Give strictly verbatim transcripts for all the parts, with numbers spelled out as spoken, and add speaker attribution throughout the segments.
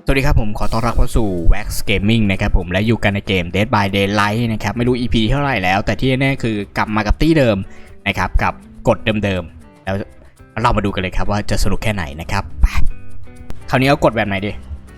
Speaker 1: สวัสดีครับผมขอต้อนรับเข้าสู่ Wax Gaming นะครับผมและอยู่กันในเกม Dead by Daylight นะครับไม่รู้ อี พี เท่าไหร่แล้วแต่ที่แน่ๆคือกลับมากับตี้เดิมนะครับกับกฎเดิมๆแล้วเรามาดูกันเลยครับว่าจะสนุกแค่ไหนนะครับไปคราวนี้เอากฎแบบไหนดี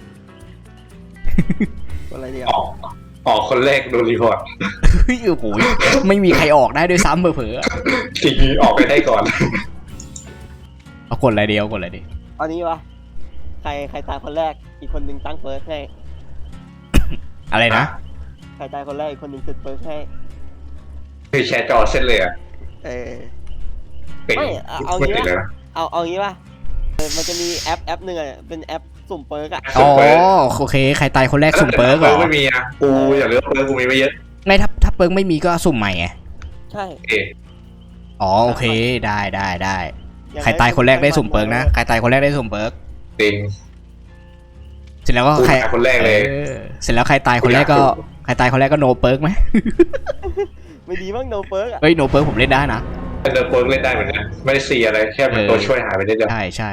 Speaker 2: อะไรเนี่ย
Speaker 3: ออกออกคนแรกโดนรีพอร์ต
Speaker 1: เฮ้ยโอ้โหไม่มีใครออกได้ด้วยซ้ำเผลอ
Speaker 3: จริงออกไปได้ก่อน
Speaker 1: ๆเอากฎอะไรดีเอากฎอะไรดี
Speaker 2: เอานี้วะใครใครตายคนแรกอีกคนหนึ่งตั้งเฟิร์สให้
Speaker 1: อะไรนะ
Speaker 2: ใครตายคนแรกอีกคนหนึ่งเซตเฟิร์สให้
Speaker 3: คือแชร์จอเส้นเลยอ่ะ
Speaker 2: เออ
Speaker 3: เป็น
Speaker 2: ไม่เอาเอา
Speaker 3: ไม่
Speaker 2: งี้
Speaker 3: ติด
Speaker 2: วะ
Speaker 3: เลยนะ
Speaker 2: เอาเอางี้วะเออมันจะมีแอปแอปหนึ่งอะเป็นแอปสุ่มเฟิร์สอะ
Speaker 1: อ๋อโอเคใครตายคนแรกสุ่มเปิร์กเหรอ
Speaker 3: ไม่มีอ่ะกูอย่าลืมเปิร์กกูมีไม่เยอะ
Speaker 1: ไม่ถ้าถ้าเปิร์กไม่มีก็สุ่มใหม่ไง
Speaker 2: ใช่
Speaker 3: เอ
Speaker 1: อ๋อโอเคได้ได้ได้ใครตายคนแรกได้สุ่มเปิร์กนะใครตายคนแรกได้สุ่มเปิร์ก
Speaker 3: จริง
Speaker 1: เสร็จแล้วก็
Speaker 3: กู
Speaker 1: ใคร
Speaker 3: ตายคนแรกเลย
Speaker 1: ออเสร็จแล้วใครตายคนแรกก็ใครตายคนแรกก็โนเปิร์กไหม
Speaker 2: ไม่ดีมั้งโนเฟิร์สอะ
Speaker 1: เฮ้ยโนเปิร์กผมเล่นได้นะ
Speaker 3: เดินเปิร์กเล่นได้เหมือนกันไม่ได้ซีอะไรแค่เป็นตัวช่วยหายไปได้เดียว
Speaker 1: ใช่ใช่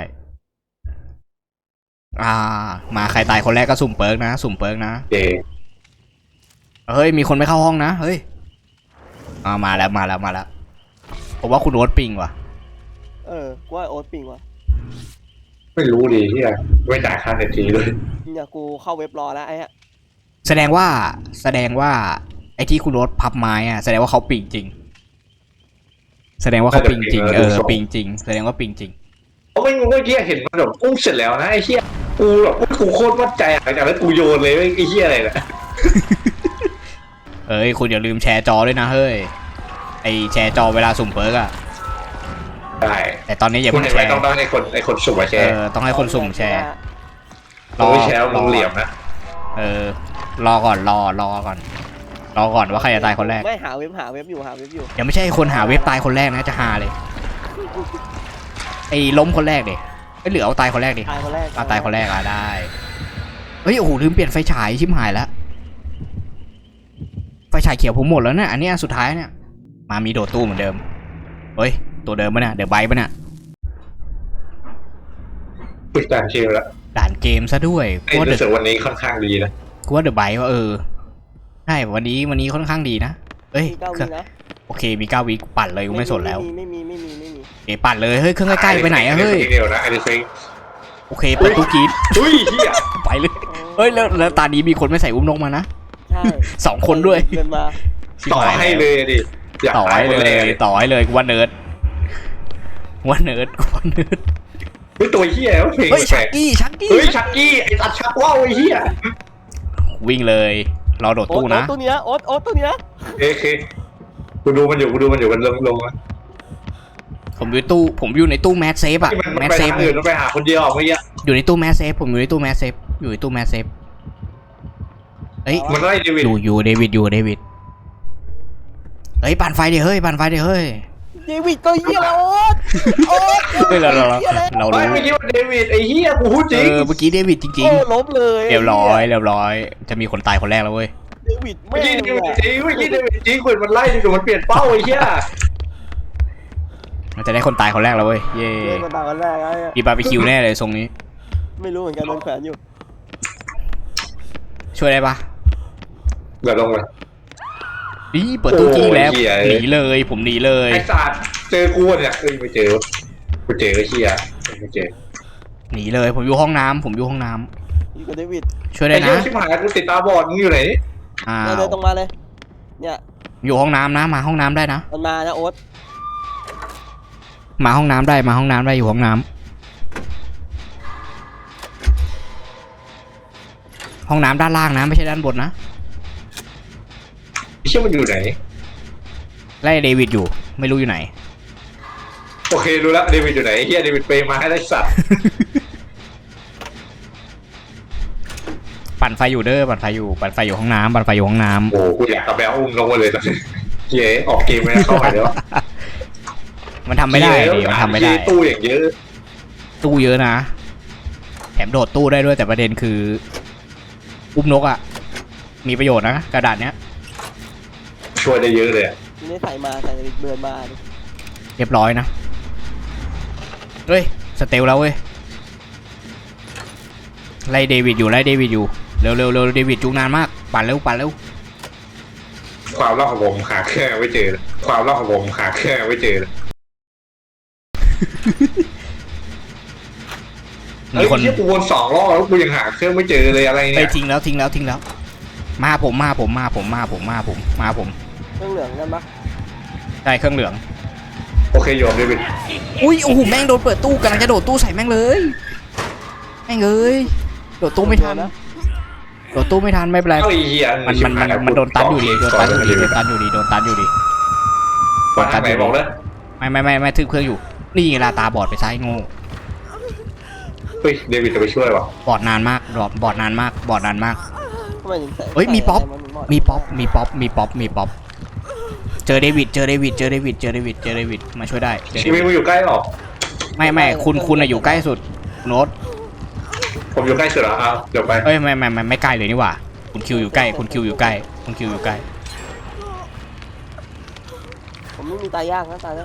Speaker 1: อ่ามาใครตายคนแรกก็สุ่มเปิร์กนะสุ่มเปิร์กนะ
Speaker 3: เอ
Speaker 1: เฮ้ยมีคนไม่เข้าห้องนะเฮ้ยอ่ามาแล้วมาแล้วมาแล้วผมว่าคุณโอ๊ตปิงว่ะ
Speaker 2: เออกูว่าโอ๊ตปิงวะ
Speaker 3: ไม่รู้ดีที่อะไม่จ่ายค่าเน็ตทีเลย
Speaker 2: เนี่ยกูเข้าเว็บรอแล้วไอ้ฮะ
Speaker 1: แสดงว่าแสดงว่าไอ้ที่คุณโอ๊ตพับไม้อะแสดงว่าเขาปิงจริง แสดงว่าเขาปิงจริงเออปิงจริงแสดงว่าปิงจริง
Speaker 3: เพราะไม่เมื่อกี้เห็นมันแบบอุ้มเสร็จแล้วนะไอ้เหี้ยกูแบบกูโคตรวัดใจหลังจากนั้นกูโยนเลยไอ้เหี้ยอะไรเนี่ย
Speaker 1: เอ้ยคุณอย่าลืมแชร์จอด้วยนะเฮ้ยไอแชร์จอเวลาสุ่มเปิร์กอะ
Speaker 3: ได้
Speaker 1: แต่ตอนนี้อย่า
Speaker 3: คุณ
Speaker 1: เพิ่ง
Speaker 3: เห็น
Speaker 1: แช
Speaker 3: ไหม
Speaker 1: ร์
Speaker 3: ต้องต้องให้คนไอ้คนสุ่มมาแช
Speaker 1: เอ
Speaker 3: ร์
Speaker 1: อต้องให้คนสุ่มแชร์
Speaker 3: รอแชร์มึงเหลี่ยมนะ
Speaker 1: เออรอก่อนรอรอก่อนรอก่อนว่าใครจะตายคนแรก
Speaker 2: ไม่หาเว็บหาเว็บอยู่หาเว็บอยู่
Speaker 1: ยังไม่ใช่คนหาเว็บตายคนแรกนะจะหาเลยไอ้ล้มคนแรกดิไอ้เหลือเอาตายคนแรกดิ
Speaker 2: ตายคนแรก
Speaker 1: เอาตายคนแรกอ่ะได้เฮ้ยโอ้โหลืมเปลี่ยนไฟฉายชิบหายแล้วไฟฉายเขียวผมหมดแล้วเนี่ยอันนี้อันสุดท้ายเนี่ยมามีโดดตู้เหมือนเดิมเฮ้ยตัวเดิมปะเนี่ยเดี๋ยวไบปะเนี่ย
Speaker 3: ฝึกการเชียร์แล้ว
Speaker 1: ด่านเกมซะด้วย
Speaker 3: ไอ้
Speaker 1: กูว่าเด
Speaker 3: รู้สึกวันนี้ค่อนข้างดีนะ
Speaker 1: กูว่าเดอะไบว่าเออใช่วันนี้วันนี้ค่อนข้างดีนะเอ้ย
Speaker 2: มีเก้าวินะ
Speaker 1: โอเคมีเก้าวิปั่นเลยกูไม่สนแล้ว
Speaker 2: ไม่มีไม่มีไม่มี
Speaker 1: เอปั่นเลยเฮ้ยเครื่องใกล้ๆไปไหนอะเฮ้ย
Speaker 3: เดียวนะไอ้เฟง
Speaker 1: โอเคเปิดตู้กรีด
Speaker 3: อุ้ยเฮีย
Speaker 1: ไปเลยเฮ้ยแล้วแล้วตานี้มีคนไม่ใส่อุ้มนกมานะ
Speaker 2: ใช่
Speaker 1: สองคนด้วย
Speaker 2: เดินมา
Speaker 3: ต่อให้เลยดิอยาก
Speaker 1: ต่อ
Speaker 3: ตาย
Speaker 1: ให้
Speaker 3: คน
Speaker 1: เล
Speaker 3: แร
Speaker 1: ย
Speaker 3: ก
Speaker 1: ต่อให้เลยกูว่าเนิร์ดว่าเนิร์ดกูว่าเนิร์ด
Speaker 3: เฮ้ยตัวเฮียเพลง
Speaker 1: เฮ้ย
Speaker 3: แปล
Speaker 1: ชัก
Speaker 3: ก
Speaker 1: กี้ชักกี้
Speaker 3: เฮ้ยชักกี้ไอ้ตัดชักว่าวไอ้เฮีย
Speaker 1: วิ่งเลยรอโดด
Speaker 2: โอ๊ต
Speaker 1: ตู้นะ
Speaker 2: โอ๊ตตัวเนี้ยโอ๊ตโอ๊ตตัวเนี้ย
Speaker 3: เอเคกูดูมันอยู่กูดูมันอยู่มันลงลง
Speaker 1: ผมอยู่ในตู้ผมอยู่ในตู้แมสเซฟอะ
Speaker 3: ที่มัน
Speaker 1: แมส
Speaker 3: ไป
Speaker 1: เซฟ
Speaker 3: ทางอื่นมันไปหาคนเดียวเมื่อกี้
Speaker 1: อยู่ในตู้แมสเซฟผมอยู่ในตู้แมสเซฟอยู่ในตู้แมสเซฟเฮ้ย
Speaker 3: มันไล่เดวิด
Speaker 1: อยู่อยู่เดวิดอยู่เดวิดเฮ้ยปั่นไฟดิเฮ้ยปั่นไฟดิเฮ้ย
Speaker 2: เดวิดก็เหี้ยแล้วโอ๊ตโอ๊ต
Speaker 1: เฮ้ยเราเราเราเรา
Speaker 3: ไม่
Speaker 1: รู้
Speaker 3: ไม่คิดว่าเดวิดไอ้เฮียกูพูดจ
Speaker 1: เอ
Speaker 3: ริง
Speaker 1: อเมื่อกี้เดวิดจริง
Speaker 2: โอ้ล้มเลย
Speaker 1: ๆเรียบร้อยเรียบร้อยจะมีคนตายคนแรกแล้วเว้ย
Speaker 2: เดวิด
Speaker 3: เมื่
Speaker 2: แม่
Speaker 3: อกี้
Speaker 2: ง
Speaker 3: เดวิด
Speaker 2: อะ
Speaker 3: จริงเมื่อกี้เดวิดจริงคนมันไล่ดูมันเปลี่ยนเป้าไอ้เฮีย
Speaker 1: มันจะได้คนตายคนแรกแล้วเว้ยเย่
Speaker 2: เล่นมาตากันแรกไอ้
Speaker 1: มีบาร์บีคิวแน่เลยทรงนี้
Speaker 2: ไม่รู้เหมือนกันโดนแขวนอยู่
Speaker 1: ช่วยได้ปะ
Speaker 3: เดี๋ยวลงเลย
Speaker 1: นี่เปิดตู้จี้แล้ว
Speaker 3: โอ้ยเหี้ย
Speaker 1: หนีเลยผมหนีเลย
Speaker 3: ไอ้สัตว์เจอกูเนี่ยเอ้ยไม่เจอกูเจอไอ้เฮียไม่เจอ
Speaker 1: หนีเลยผมอยู่ห้องน้ำผมอยู่ห้องน้ำ
Speaker 2: อยู่กับเดวิด
Speaker 1: ช่วยได้
Speaker 3: ไอ้
Speaker 1: นะ
Speaker 3: เฮียชิบหายกูติดตาบอดมึงอยู่ไหน
Speaker 1: อ้า
Speaker 2: เดิน
Speaker 1: ว
Speaker 2: เดินตรงมาเลยเนี่ย
Speaker 1: อยู่ห้องน้ำนะมาห้องน้ำได้นะ
Speaker 2: มันมานะโอ๊ต
Speaker 1: มาห้องน้ำได้มาห้องน้ำได้อยู่ห้องน้ำห้องน้ำด้านล่างนะไม่ใช่ด้านบนนะ
Speaker 3: ไอ้เชี่ยมันอยู่ไหน
Speaker 1: ไล่เดวิดอยู่ไม่รู้อยู่ไหน
Speaker 3: โอเครู้แล้วเดวิดอยู่ไหนไอ้เฮียเดวิดเปย์มาให้ได้สัตว์
Speaker 1: ปั่นไฟอยู่เด้อปั่นไฟอยู่ปั่นไฟอยู่ห้องน้ำปั่นไฟอยู่ห้องน้ำ
Speaker 3: โอ้กูอยากกระแบอุ้มลงมาเลยตอนนี้เฮียออกเกมไม่ได้เข้าไปแล้ว
Speaker 1: มันทำไม่ได้ดิมันทำไม่ได้
Speaker 3: ตู้อย่างเยอะ
Speaker 1: ตู้เยอะนะแถมโดดตู้ได้ด้วยแต่ประเด็นคืออุ้มนกอ่ะมีประโยชน์นะกระดาษเนี้ย
Speaker 3: ช่วยได้เยอะเลย
Speaker 2: นี่ได้ใส่มาใส่เดวิดเดินมาดิ
Speaker 1: เรียบร้อยนะเฮ้ยสเตลแล้วเว้ยไล่เดวิดอยู่ไล่เดวิดอยู่เร็วเร็วเร็วเดวิดจุกนานมากปั่นเร็วปั่นเร็ว
Speaker 3: ความรอบของผมหาเครื่องไม่เจอเลยความรอบของผมหาเครื่องไม่เจอเลย
Speaker 1: มี
Speaker 3: เฮ้ย
Speaker 1: คน
Speaker 3: ที่กูวนสองรอบแล้วกูยังหาเครื่องไม่เจอเลยอะไร
Speaker 1: ไป
Speaker 3: เนี่ย
Speaker 1: ทิ้งแล้วทิ้งแล้วทิ้งแล้วมาผมมาผมมาผมมาผมมาผมมาผม
Speaker 2: เครื่องเหลืองกันปะ
Speaker 1: ได้เครื่องเหลือง
Speaker 3: โอเคโยมเดวิด
Speaker 1: อุ้ยโอ้โหแม่งโดนเปิดตู้กำลังจะโดดตู้ใส่แม่งเลยแม่งเอ้ยโดดตู้ไม่ทันโดดตู้ไม่ทันไม่เป็นไร
Speaker 3: เอ้าไอ้เหี้ย
Speaker 1: มันมันมันมันโดนตันอยู่ดีโดนตันอยู่ดีโดนตันอยู่ดีโดนตันอยู่ดี
Speaker 3: มาทางไหนบอกเลย
Speaker 1: ไม่ไม่ไม่ไม่ทึบเครื่องอยู่นี่ไงลาตาบอดไปซ้ายโง่
Speaker 3: เฮ้ยเดวิดจะไปช่วยวะ
Speaker 1: บอดนานมากบอดบอดนานมากบอดนานมาก
Speaker 2: ทำไมถึงใส่
Speaker 1: เฮ้ยมีป๊อป
Speaker 2: ใส่ะไรนหด
Speaker 1: มีป๊อปมีป๊อปมีป๊อปมีป๊อปเจอเดวิดเจอเดวิดเจอเดวิดเจอเดวิดเจอเดวิดมาช่วยได้เจอเด
Speaker 3: ชีวิ
Speaker 1: วิ
Speaker 3: ต
Speaker 1: ด
Speaker 3: มึงอยู่ใกล้หรอ
Speaker 1: ไม่ไม่คุณคุณอะอยู่ใกล้สุดโน้ต
Speaker 3: ผมอยู่ใกล้สุดเหรอเอาเดี๋ยวไป
Speaker 1: เอ้ยไม่ไม่ไม่ไม่ใกล้เลยนี่หว่าคุณคิวอยู่ใกล้คุณคิวอยู่ใกล้คุณคิวอยู่ใกล้
Speaker 2: ผมไม่มีตายยากนะตายแล้ว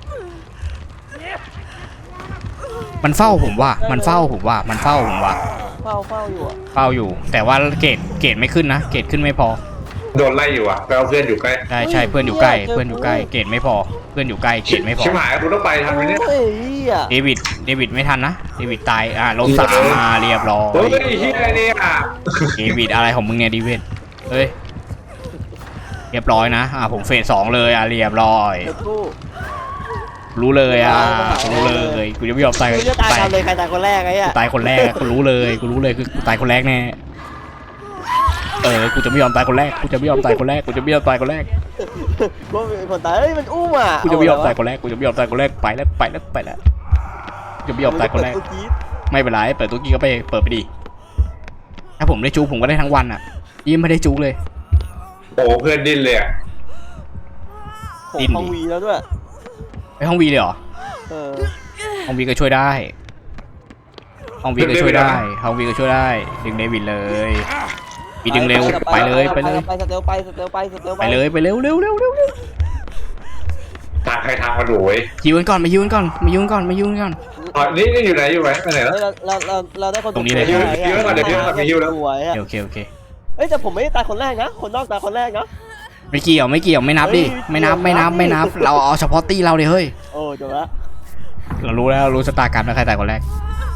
Speaker 1: มันเฝ้าผมว่ามันเฝ้าผมว่ามันเฝ้าผมว่า
Speaker 2: เฝ้าเฝ้าอยู่อะ
Speaker 1: เฝ้าอยู่ แต่ว่าเกรดเกรดไม่ขึ้นนะเกรดขึ้นไม่พอ
Speaker 3: โดนไล่อยู่อ่ะแล้วเพื่อนอยู่ใกล้
Speaker 1: ใช่ใช่เพื่อนอยู่ใกล้เพื่อนอยู่ใกล้เกรดไม่พอเพื่อนอยู่ใกล้เกรดไม่พอ
Speaker 3: ชิบหายกูต้องไปทันไหมเนี่ย
Speaker 2: โอ้ยเหี้ย
Speaker 1: เดวิดเดวิดไม่ทันนะเดวิดตายอ่าลงสามมาเรียบร้อย
Speaker 3: เฮ้ยเฮียเนี่ย
Speaker 1: เดวิดอะไรของมึงเนี่ยเดวิดเฮ้ยเรียบร้อยนะอ่าผมเฟสสองเลยอ่ะเรียบร้อย
Speaker 2: เดี๋ยวกู้
Speaker 1: รู้เลยอ่ะรู้เลยกูจะไม่ยอมตาย
Speaker 2: กูจะตาย
Speaker 1: ตาย
Speaker 2: กันเลยใครตายคนแรกไอ้
Speaker 1: กู
Speaker 2: อะ
Speaker 1: ตายคนแรกกูรู้เลยกูรู้เลยคือกูตายคนแรกแน่เออกูจะไม่ยอมตายคนแรกกูจะไม่ยอมตายคนแรกกูจะไม่ยอมตายคนแรก
Speaker 2: กูเป็นคนตายเฮ้ยมันอุ้มอ่ะ
Speaker 1: กูจะไม่ยอมตายคนแรกกูจะไม่ยอมตายคนแรกไปแล้วไปแล้วไปแล้วกูจะไม่ยอมตายคนแรก
Speaker 2: เปิดตู้จี๊ด
Speaker 1: ไม่เป็นไรเปิดตู้กี้ก็ไปเปิดไปดิถ้าผมได้จูผมก็ได้ทั้งวันอ่ะยิ้มไม่ได้จูเลย
Speaker 3: โอ้เพื่อนดิ้นเลยอ่ะ
Speaker 2: ผม
Speaker 1: ดิ้นดิ
Speaker 2: ห้องวีแล้วด้วย
Speaker 1: ไปห้องวีเลยเหรอ
Speaker 2: เออ
Speaker 1: ห้องวีก็ช่วยได้ห้องวีก็ช่วยได้ห้องวีก็ช่วยได้ดึงเดวิดเลยวีดึงเร็วไปเลยไปเลย
Speaker 2: ไปสเตลไปสเตลไปสเตล
Speaker 1: ไปเลยไปเร็วเร็วเร็วเร็วเร็ว
Speaker 3: ทางใครทางมันโวย
Speaker 1: ยิวกันก่อนมายิวกันก่อนมายิวกันก่อนมายิวกันก่อน
Speaker 3: อ๋อนี่นี่อยู่ไหนอยู่ไหนไปไหนแล้ว
Speaker 2: เฮ้ยเราเราเราเราได้คน
Speaker 1: ตรงนี้เลย
Speaker 2: สว
Speaker 3: เดี๋ยวก่อนเดี๋ยวเดี๋ยวก่อนมีฮิวแล้ว
Speaker 2: สวยอะ
Speaker 1: โอเคโอเค
Speaker 2: เฮ้ยแต่ผมไม่ได้ตายคนแรกนะคนนอกตายคนแรกนะ
Speaker 1: ไม่เกี่ยวไม่เกี่ยวไม่นับดิไม่นับไม่นับไม่นับเราเอาเฉพาะตีเราเลยเฮ้ย
Speaker 2: โอ้จบละ
Speaker 1: เรารู้แล้วรู้ชะตากรรมแล้วใครตายคนแรก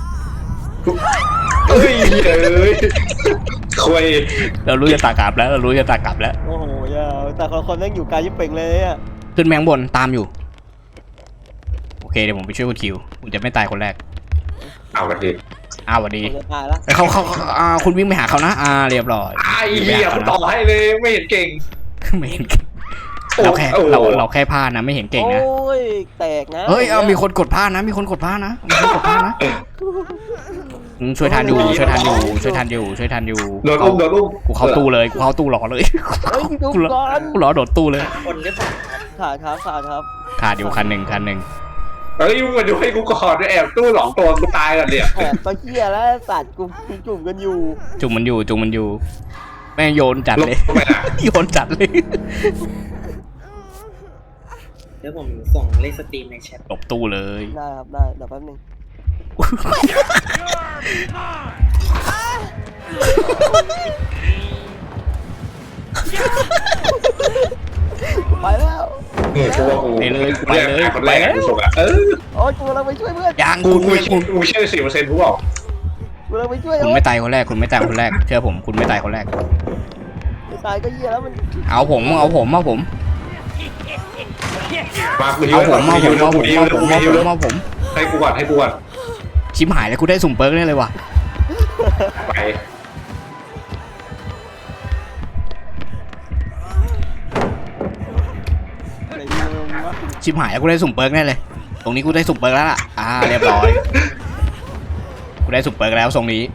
Speaker 3: เฮ้ยเอ้ยคุย
Speaker 1: เรารู้ชะตากรรมแล้วเรารู้ชะตากรรมแล้ว
Speaker 2: โอ้โหยาวแต่คนคนแม่งอยู่ไกลยิ่งเป่งเลยอะ
Speaker 1: ขึ้นแมงบนตามอยู่โอเคเดี๋ยวผมไปช่วยคุณคิวคุณจะไม่ตายคนแรก
Speaker 3: เอาวันดี
Speaker 1: อ้าวสวัสดี
Speaker 2: ผมจะตายละ
Speaker 1: เขาเขาเขาอ่าคุณวิ่งไปหาเขานะอ่าเรียบร้อย
Speaker 3: ไอ้เหี้ยกูต่อให้เลยไม่เห็นเก่ง
Speaker 1: ไม่เห็นเราแค่เราเราแค่พลาดนะไม่เห็นเก่งนะ
Speaker 2: โอ้ยแตกนะ
Speaker 1: เฮ้ยเอามีคนกดพลาดนะมีคนกดพลาดนะมีคนกดพลาดนะอืมช่วยทันอยู่ช่วยทันอยู่ช่วยทันอยู่ช่วยทันอยู่
Speaker 3: โดนอุ้มโดนอุ้ม
Speaker 1: กูเข้าตู้เลยกูเข้าตู้รอเลย
Speaker 2: เฮ้ยดู
Speaker 1: กูรอ
Speaker 2: ก่อน
Speaker 1: กูรอโดดตู้เลย
Speaker 4: คนหรือเปล่า
Speaker 2: ขาดครับขาดครับ
Speaker 1: ขาดอยู่คันหนึ่งคันหนึ่ง
Speaker 3: เฮ้ยมึงมาดูให้กูก่อนด้วยแอบตู้หลองตัวกูตายกันเนี่ย
Speaker 2: แอบตะเกียแล้วสัตว์กูกูจุ่มกันอยู่
Speaker 1: จุ่มมันอยู่จุ่มมันอยู่แม่งโยนจัด
Speaker 3: ลง
Speaker 1: เลย
Speaker 3: ไปอ่ะ
Speaker 1: โยนจัดเลย
Speaker 4: เดี๋ยวผมส่งเลขสตรีมในแชท
Speaker 1: หลบตู้เลย
Speaker 2: ได้ครับได้เดี๋ยวแป๊บนึงไปแล้ว
Speaker 3: เนี่ยกูว่ากู
Speaker 1: ไปเลยไปเลย
Speaker 3: คนแรก
Speaker 1: ไปแล้ว
Speaker 3: กูส่งอ่ะเออ
Speaker 2: โอ้ยกูกำลังไปช่วยเพื่อน
Speaker 1: ยัง
Speaker 3: กู
Speaker 1: คุณ
Speaker 3: กู
Speaker 1: คุณ
Speaker 3: กูเชื่อสี่เปอร์เซ็นต์กูบอก
Speaker 2: กูกำลังไปช่วย
Speaker 1: คุณ
Speaker 2: โอ้ย
Speaker 1: ไม่ตายคนแรกคุณไม่ตายคนแรกเชื่อผมคุณไม่ตายคนแรก
Speaker 2: ไม่ตายก็เหี้ยแล้วมัน
Speaker 1: เอาผมเอาผมเอาผม
Speaker 3: มากูฮิว
Speaker 1: เอาผมเอาผมเอาผม
Speaker 3: ฮิว
Speaker 1: เอาผม
Speaker 3: กู
Speaker 1: เอา
Speaker 3: ฮิ
Speaker 1: ผ
Speaker 3: ว
Speaker 1: มเอาผม
Speaker 3: ให้กูก่อนให้กูก่อน
Speaker 1: ชิมหายแล้วกูได้สุ่มเปิร์กแน่เลยว่ะ
Speaker 3: ไป
Speaker 2: ไหนดูมึงวะ
Speaker 1: ชิมหายแล้วกูได้สุ่มเปิร์กแน่เลย ตรงนี้กูได้สุ่มเปิร์กแล้วล่ะอ่าเรียบร้อยกูได้สุ่มเปิร์กแล้วทรงนี้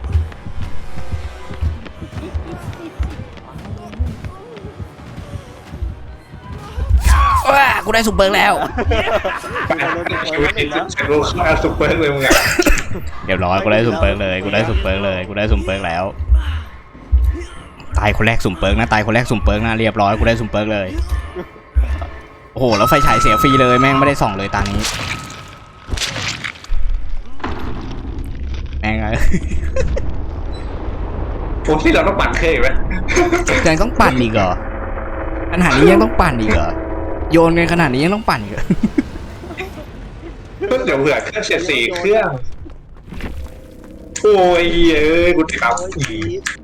Speaker 1: ว้ากูได้สุ่มเปิร์กแล้ว
Speaker 3: ไปชีวิตจริงฉันรู้ข้าซุปเปอร์เลยมึงอ่ะ
Speaker 1: เรียบร้อยกูได้สุ่มเปิร์กเลยกูได้สุ่มเปิร์กเลยกูได้สุ่มเปิร์กแล้วตายคนแรกสุ่มเปิร์กนะตายคนแรกสุ่มเปิร์กนะเรียบร้อยกูได้สุ่มเปิร์กเลยโอ้โหแล้วไฟฉายเสียฟรีเลยแม่งไม่ได้ส่องเลยตานี้แม่งเลย
Speaker 3: ผมที่เราต้องปั่นเครื่องอีกไหม
Speaker 1: ยังต้องปั่นอีกเหรอขนาดนี้ยังต้องปั่นอีกเหรอโยนกันขนาดนี้ยังต้องปั่นอีกเหรอ
Speaker 3: ก็เดี๋ยวเผื่อเครื่องเสียดสีเครื่องโอ้ยเฮ้ยกูถาม
Speaker 2: โอ้ย
Speaker 3: อี
Speaker 2: อี
Speaker 3: ก
Speaker 2: ฟ